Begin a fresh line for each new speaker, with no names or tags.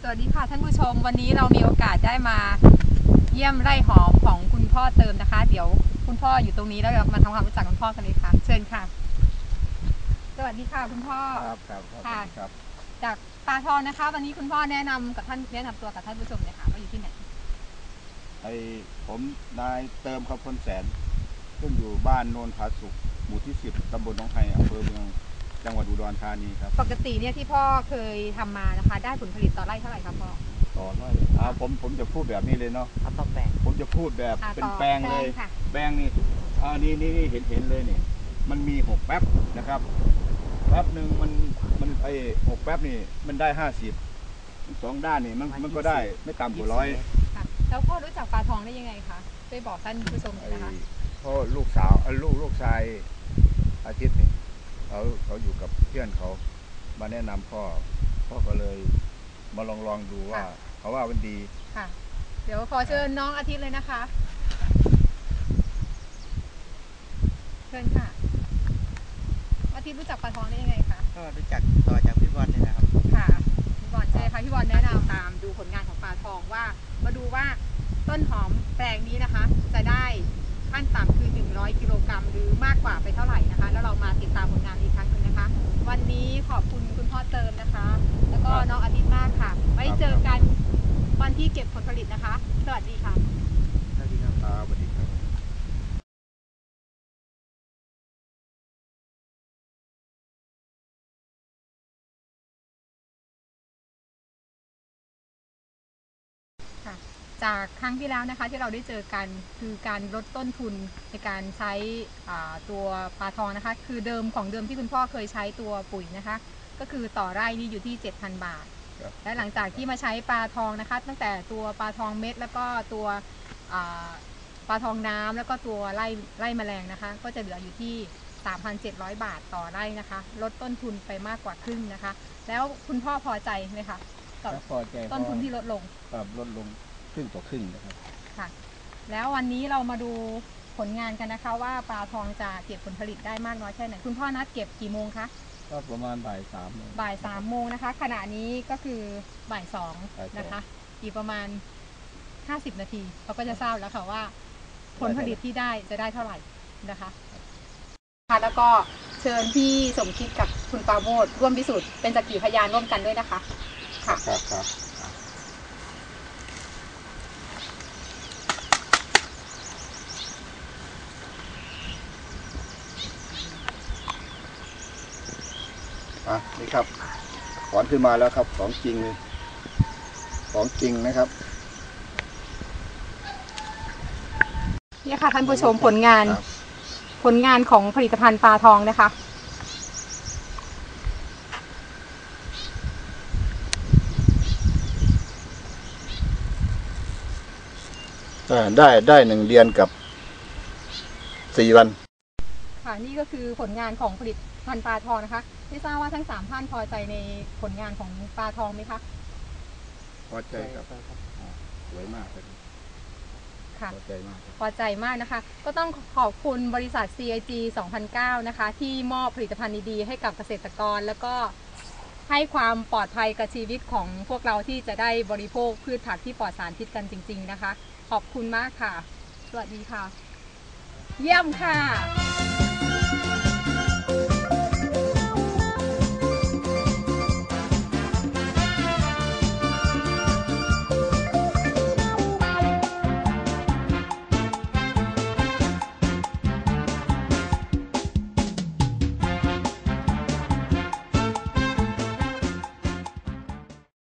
วัสดีค่ะท่านผู้ชมวันนี้เรามีโอกาสได้มาเยี่ยมไร่หอมของคุณพ่อเติมนะคะเดี๋ยวคุณพ่ออยู่ตรงนี้แล้วเรามาทำความรู้จักคุณพ่อกันเลยค่ะเชิญค่ะสวัสดีค่ะคุณพ่อ
ครับ
ค่ะจากปลาทองนะคะวันนี้คุณพ่อแนะนำตัวกับท่านผู้ชมเลยค่ะว่าอยู่ที่ไหน
ผมนายเติมครับคนแสนซึ่งอยู่บ้านโนนผาสุกหมู่ที่10ตำบลหนองไฮอำเภอเมืองจังหวัดอุดรธานีครับ
ปกติเนี่ยที่พ่อเคยทำมานะคะได้ผลผลิตต่อไร่เท่าไหร่ครับพ่อ
ต่อไร่ผมจะพูดแบบนี้เลยเนาะ
ต่อแปลง
ผมจะพูดแบบเป็นแปลงเลยแปลงนี่นี่เห็นเลยนี่มันมี6แป๊บนะครับแป๊บหนึ่งมัน6แป๊บนี่มันได้50 2ด้านนี่มันก็ได้ไม่ต่ำกว่า100
ค่ะแล้วพ่อรู้จักปลาทองได้ยังไงคะช่วยบอกท่านผู้ชมหน่อยนะคะ
เพราะลูกชายอาทิตย์นี่เขาอยู่กับเพื่อนเขามาแนะนำพ่อก็เลยมาลองดูว่าเขาว่ามันดี
ค่ะเดี๋ยวขอเชิญน้องอาทิตย์เลยนะคะเชิญค่ะอาทิตย์รู้จักปลาทองได้ยังไงคะ
ก็รู้จักต่อจากพี่บอลนี่นะครับ
ค่ะพี่บอลใช่ค่ะพี่บอลแนะนำตามดูผลงานของปลาทองว่ามาดูว่าต้นหอมแปลงนี้นะคะจะได้ขั้นต่ำคือ100กิโลกรัมหรือมากกว่าไปเท่าไหร่นะคะแล้วเรามาติดตามผลงานอีกครั้งหนึ่งนะคะวันนี้ขอบคุณคุณพ่อเติมนะคะแล้วก็น้องอาทิตย์มากค่ะไว้เจอกันวันที่เก็บผลผลิตนะคะสวัสดีค่ะ
สวัสดีครับ
สวัสดีครับ
จากครั้งที่แล้วนะคะที่เราได้เจอกันคือการลดต้นทุนในการใช้ตัวปลาทองนะคะคือเดิมที่คุณพ่อเคยใช้ตัวปุ๋ยนะคะก็คือต่อไร่นี่อยู่ที่ 7,000 บาทและหลังจากที่มาใช้ปลาทองนะคะตั้งแต่ตัวปลาทองเม็ดแล้วก็ตัวปลาทองน้ำแล้วก็ตัวไล่แมลงนะคะก็จะเหลืออยู่ที่ 3,700 บาทต่อไร่นะคะลดต้นทุนไปมากกว่าครึ่งนะคะแล้วคุณพ่อพอใจไหมคะกับต้นทุนที่ลดลง
ครึ่งต่อครึ่งนะครับ
ค่ะแล้ววันนี้เรามาดูผลงานกันนะคะว่าปลาทองจะเก็บผลผลิตได้มากน้อยแค่ไหนคุณพ่อนัดเก็บกี่โมงคะ
ก็ประมาณบ่าย3
โมงนะคะขณะนี้ก็คือบ่าย2นะคะอีกประมาณ50นาทีเราก็จะทราบแล้วค่ะว่าผลผลิตที่ได้จะได้เท่าไหร่นะคะค่ะแล้วก็เชิญพี่สมคิดกับคุณปราโมทร่วมพิสูจน์เป็นสักขีพยานร่วมกันด้วยนะคะค่ะ
ครับนี่ครับถอนขึ้นมาแล้วครับของจริงเลยของจริงนะครับ
นี่ค่ะท่านผู้ชมผลงานของผลิตภัณฑ์ปลาทองนะคะ
ได้1 เดือนกับ4 วัน
ค่ะนี่ก็คือผลงานของผลิตภัณฑ์ปลาทองนะคะไม่ทราบว่าทั้ง3ท่านพอใจในผลงานของปลาทองไหมคะ
พอใจครับสวยมากเลย
ค่ะพอใจมากนะคะก็ต้องขอบคุณบริษัท CIG 2009นะคะที่มอบผลิตภัณฑ์ดีๆให้กับเกษตรกรแล้วก็ให้ความปลอดภัยกับชีวิตของพวกเราที่จะได้บริโภคพืชผักที่ปลอดสารพิษกันจริงๆนะคะขอบคุณมากค่ะสวัสดีค่ะเยี่ยมค่ะ